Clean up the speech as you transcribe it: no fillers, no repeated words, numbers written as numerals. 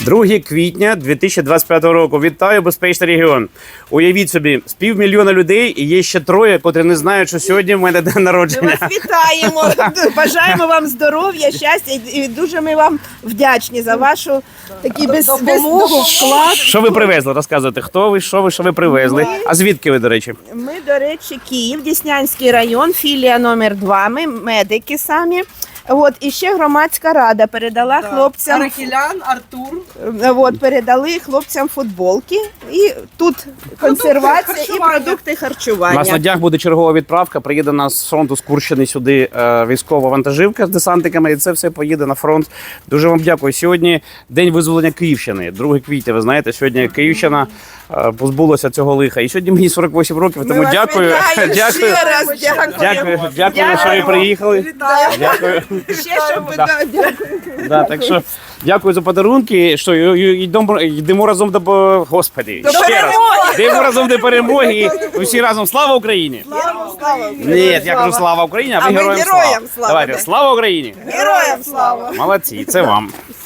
2 квітня 2025 року. Вітаю, безпечний регіон. Уявіть собі, з 500 000 людей і є ще 3, котрі не знають, що сьогодні в мене день Ми народження. вас вітаємо, бажаємо вам здоров'я, щастя і дуже ми вам вдячні за вашу такі допомогу, вклад. Що ви привезли? Розказуйте, хто ви, що ви привезли? А звідки ви, до речі? Ми, до речі, Київ, Деснянський район, філія номер 2, ми медики самі. От, і ще громадська рада передала хлопцям. Арахілян, Артур. От, передали хлопцям футболки. І тут консервація і продукти У нас на харчування. днях буде чергова відправка. Приїде нас з фронту з Курщини сюди військова вантажівка з десантниками, і це все поїде на фронт. Дуже вам дякую. Сьогодні день визволення Київщини, 2 квітня. Ви знаєте, сьогодні Київщина позбулася цього лиха. І сьогодні мені 48 років, Ми тому вас дякую. вітаємо Дякую. ще раз, Дякую, що ви приїхали. Дякую. Ще щоб ви дякую. Да, так що дякую за подарунки. Що йдемо разом до Господи. До Ще раз. перемоги! Йдемо разом до перемоги. І всі разом слава Україні! Слава! Ні, я кажу слава Україні, а ви А ми героям героям слава. слава. Давайте, слава Україні! Героям слава! Молодці, це вам.